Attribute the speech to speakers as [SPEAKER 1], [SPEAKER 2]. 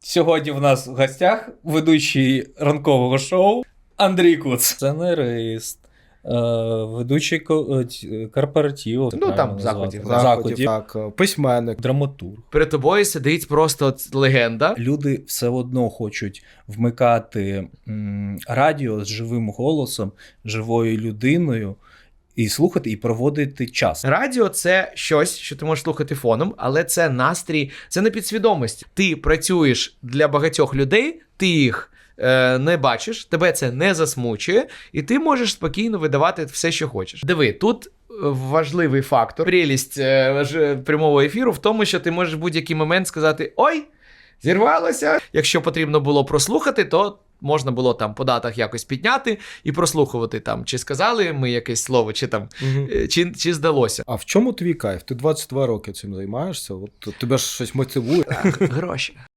[SPEAKER 1] Сьогодні в нас в гостях ведучий ранкового шоу Андрій Куц. Сценарист, ведучий корпоративу.
[SPEAKER 2] Ну, там, заходів.
[SPEAKER 3] Так, письменник.
[SPEAKER 1] Драматург.
[SPEAKER 2] Перед тобою сидить просто легенда.
[SPEAKER 1] Люди все одно хочуть вмикати радіо з живим голосом, живою людиною, і слухати, і проводити час.
[SPEAKER 2] Радіо – це щось, що ти можеш слухати фоном, але це настрій, це не підсвідомість. Ти працюєш для багатьох людей, ти їх не бачиш, тебе це не засмучує, і ти можеш спокійно видавати все, що хочеш. Диви, тут важливий фактор, прелість прямого ефіру в тому, що ти можеш в будь-який момент сказати «Ой, зірвалося!». Якщо потрібно було прослухати, то можна було там по датах якось підняти і прослухувати там, чи сказали ми якесь слово, чи там, чи здалося.
[SPEAKER 3] А в чому твій кайф? Ти 22 роки цим займаєшся, от тебе ж щось мотивує.
[SPEAKER 2] Гроші.